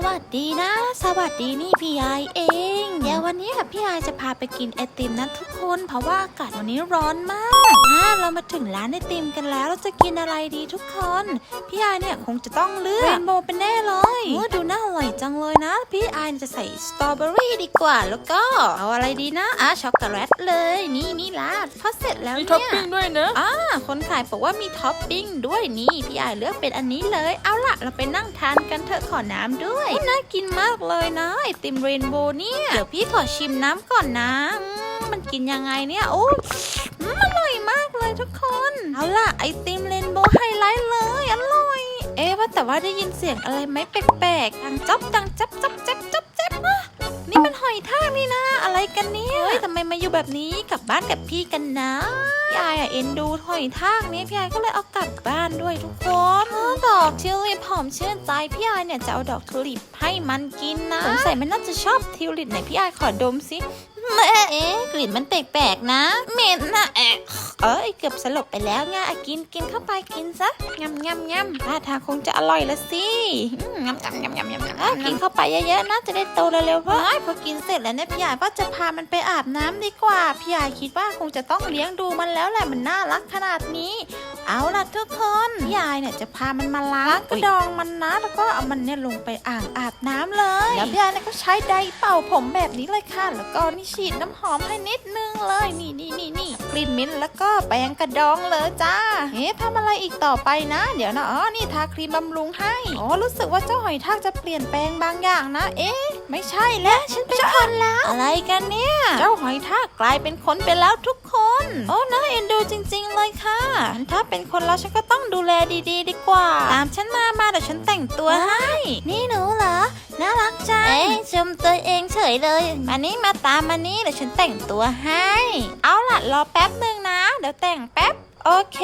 วัสดีนะสวัสดีนี่พี่ไอเองเดี๋ยววันนี้พี่ไอจะพาไปกินไอติมนะทุกคนเพราะว่าอากาศวันนี้ร้อนมากเรามาถึงร้านไอติมกันแล้วเราจะกินอะไรดีทุกคนพี่ไอเนี่ยคงจะต้องเลือกเรนโบว์เป็นแน่เลยดูน่าอร่อยจังเลยนะพี่ไอจะใส่สตรอเบอรี่ดีกว่าแล้วก็เอาอะไรดีนะช็อกโกแลตเลยนี่ล่ะพอเสร็จแล้วเนี่ยมีท็อปปิ้งด้วยนะคนขายบอกว่ามีท็อปปิ้งด้วยนี่พี่ไอเลือกเป็นอันนี้เลยเอาล่ะเราไปนั่งทานกันเถอะขอน้ำด้วยน่ากินมากเลยนะไอติมเรนโบว์เนี่ยเดี๋ยวพี่ขอชิมน้ำก่อนนะมันกินยังไงเนี่ยโอ้อร่อยมากเลยทุกคนเอาล่ะไอติมเรนโบว์ไฮไลท์เลยอร่อยว่าแต่ว่าได้ยินเสียงอะไรไหมแปลกๆดังจ๊อบดังจับนี่มันหอยทากนี่นะอะไรกันเนี่ยเฮ้ยทำไมมาอยู่แบบนี้กลับบ้านกับพี่กันนะพี่ไอเอ็นดูหอยทากนี้พี่ไอก็เลยเอากลับบ้านด้วยทุกคนดอกทิวลิปหอมชื่นใจพี่ไอเนี่ยจะเอาดอกทิวลิปให้มันกินนะสงสัยมันน่าจะชอบทิวลิปไหนพี่ไอขอดมสิกลิ่นมันแปลกๆนะเหม็นนะเกือบสลบไปแล้วไงกินเข้าไปกินซะงำท่าทางคงจะอร่อยละสิงำกินเข้าไปเยอะๆนะจะได้โตเร็วๆพอกินเสร็จแล้วเนี่ยพี่ใหญ่ว่าจะพามันไปอาบน้ำดีกว่าพี่ใหญ่คิดว่าคงจะต้องเลี้ยงดูมันแล้วแหละมันน่ารักขนาดนี้เอาล่ะทุกคนพี่ใหญ่เนี่ยจะพามันมาล้างกระดองมันนะแล้วก็เอามันเนี่ยลงไปอ่างอาบน้ำเลยแล้วพี่ใหญ่เนี่ยก็ใช้ไดร์เป่าผมแบบนี้เลยค่ะแล้วก็นี่ฉีดน้ำหอมให้นิดนึงเลยนี่กลิ่นมิ้นท์แล้วก็แปรงกระดองเลยจ้าทำอะไรอีกต่อไปนะเดี๋ยวนะนี่ทาครีมบำรุงให้รู้สึกว่าเจ้าหอยทากจะเปลี่ยนแปลงบางอย่างนะไม่ใช่แล้วฉันเป็นคนแล้วอะไรกันเนี่ยเจ้าหอยทากกลายเป็นคนไปแล้วทุกคนน่าเอ็นดูจริงๆเลยค่ะถ้าเป็นคนแล้วฉันก็ต้องดูแลดีๆดีกว่าตามฉันมาเดี๋ยวฉันแต่งตัวให้นี่หนูเหรอน่ารักจังชมตัวเองเฉยเลยมาตามมานี่เดี๋ยวฉันแต่งตัวให้เอาล่ะรอแป๊บนึงนะเดี๋ยวแต่งแป๊บโอเค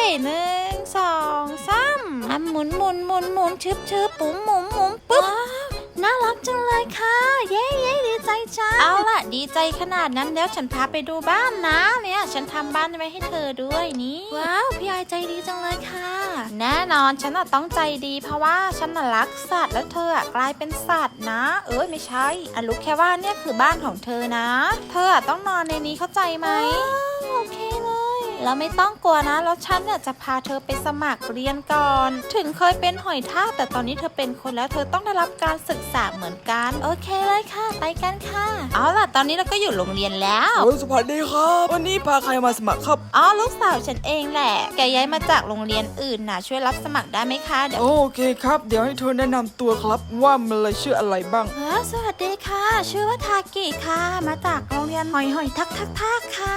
1 2 3หมุนชึบปุ๋มหมุมปุ๊บน่ารักจังเลยค่ะเย้ดีใจจังเอาล่ะดีใจขนาดนั้นแล้วฉันพาไปดูบ้านนะเนี่ยฉันทำบ้านไว้ให้เธอด้วยนี่ว้าวพี่ไอใจดีจังเลยค่ะแน่นอนฉันต้องใจดีเพราะว่าฉันรักสัตว์แล้วเธอกลายเป็นสัตว์นะไม่ใช่รู้แค่ว่าเนี่ยคือบ้านของเธอนะเธอต้องนอนในนี้เข้าใจไหมโอเคเลยแล้วไม่ต้องกลัวนะแล้วฉันเนี่ยจะพาเธอไปสมัครเรียนก่อนถึงเคยเป็นหอยทากแต่ตอนนี้เธอเป็นคนแล้วเธอต้องได้รับการศึกษาเหมือนกันโอเคเลยค่ะไปกันค่ะเอาล่ะตอนนี้เราก็อยู่โรงเรียนแล้วสวัสดีครับวันนี้พาใครมาสมัครครับลูกสาวฉันเองแหละแกย้ายมาจากโรงเรียนอื่นนะช่วยรับสมัครได้ไหมคะเดี๋ยวโอเคครับเดี๋ยวให้เธอแนะนำตัวครับว่ามันเลยชื่ออะไรบ้างสวัสดีค่ะชื่อว่าทากิค่ะมาจากโรงเรียนหอยทักค่ะ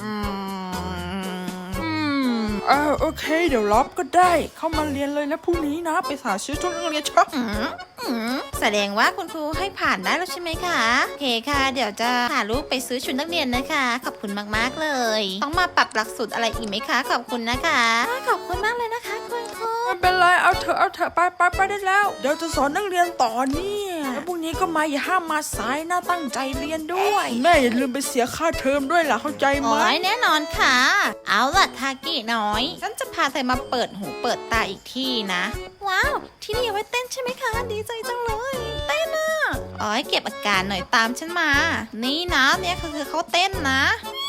โอเคเดี๋ยวรับก็ได้เข้ามาเรียนเลยนะพรุ่งนี้นะไปหาซื้อชุดนักเรียนช็อปแสดงว่าคุณครูให้ผ่านได้แล้วใช่ไหมคะโอเคค่ะเดี๋ยวจะพาลูกไปซื้อชุดนักเรียนนะคะขอบคุณมากๆเลยต้องมาปรับหลักสูตรอะไรอีกไหมคะขอบคุณนะคะขอบคุณมากเลยนะคะคุณครูไม่เป็นไรเอาเถอะไปได้แล้วเดี๋ยวจะสอนนักเรียนต่อเนี่ยแล้วพรุ่งนี้ก็มาอย่าห้ามมาสายนะตั้งใจเรียนด้วยแม่อย่าลืมไปเสียค่าเทอมด้วยล่ะเข้าใจไหมแน่นอนค่ะเอาล่ะทากิน้อยฉันจะพาเธอมาเปิดหูเปิดตาอีกที่นะว้าวที่นี่เอาไว้เต้นใช่ไหมคะดีใจจังเลยเต้นเก็บอาการหน่อยตามฉันมานี่นะเนี่ยคือเขาเต้นนะ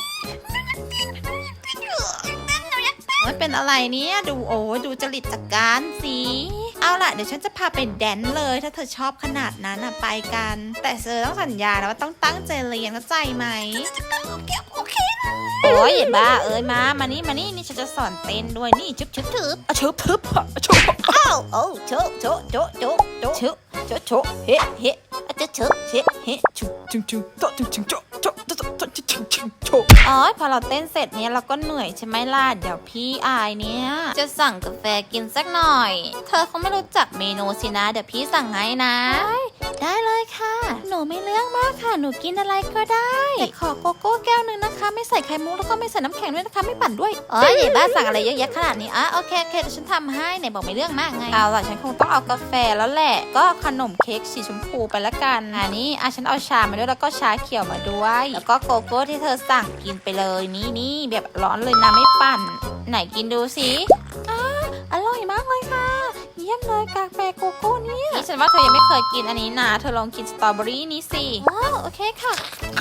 เป็นอะไรเนี่ยดูจริตจักการสิเอาล่ะเดี๋ยวฉันจะพาไปแดนเลยถ้าเธอชอบขนาดนั้นไปกันแต่เธอต้องสัญญานะว่าต้องตั้งใจเรียนเข้าใจไหมโอเคอย่าบ้ามานี่ฉันจะสอนเต้นด้วยนี่ชึบทึบอ้าวโชเฮ้จะเพอเราเต้นเสร็จเนี่ยเราก็เหนื่อยใช่ไหมล่ะเดี๋ยวพี่อายเนี่ยจะสั่งกาแฟกินสักหน่อยเธอคงไม่รู้จักเมนูสินะเดี๋ยวพี่สั่งให้นะได้เลยค่ะหนูไม่เรื่องมากค่ะหนูกินอะไรก็ได้แต่ขอโกโก้แก้วนึงนะคะไม่ใส่ไข่มุกแล้วก็ไม่ใส่น้ำแข็งด้วยนะคะไม่ปั่นด้วยอย่าบ้าสั่งอะไรเยอะแยะขนาดนี้โอเคเดี๋ยวฉันทำให้ไหนบอกไม่เรื่องมากไงเอาล่ะฉันคงต้องเอากาแฟแล้วแหละก็ขนมเค้กสีชมพูไปละกันนี่ฉันเอาชามาด้วยแล้วก็ชาเขียวมาด้วยแล้วก็โกโก้ที่เธอสั่งกินไปเลยนี่แบบร้อนเลยนะไม่ปั่นไหนกินดูสิอร่อยมากเลยค่ะเย้ยี่ยมเลยกาแฟโกโก้เนี่ยนี่ฉันว่าเธอยังไม่เคยกินอันนี้นะเธอลองกินสตรอเบอรี่นี้สิอ๋อโอเคค่ะ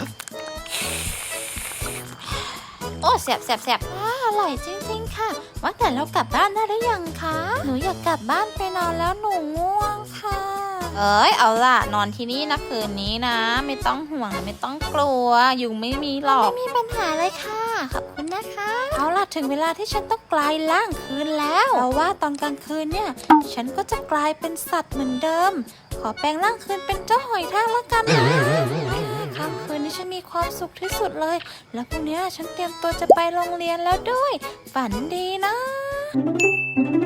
โอ้แสบอร่อยจริงๆค่ะว่าแต่เรากลับบ้านได้หรือยังคะหนูอยากกลับบ้านไปนอนแล้วหนูง่วงค่ะเอาล่ะนอนที่นี่นะคืนนี้นะไม่ต้องห่วงไม่ต้องกลัวยุงไม่มีหรอกไม่มีปัญหาเลยค่ะขอบคุณนะคะเอาล่ะถึงเวลาที่ฉันต้องกลายร่างคืนแล้วเพราะว่าตอนกลางคืนเนี่ยฉันก็จะกลายเป็นสัตว์เหมือนเดิมขอแปลงร่างคืนเป็นเจ้าหอยทากแล้วกันนะค่ำคืนนี้ฉันมีความสุขที่สุดเลยแล้วพรุ่งนี้ฉันเตรียมตัวจะไปโรงเรียนแล้วด้วยฝันดีนะ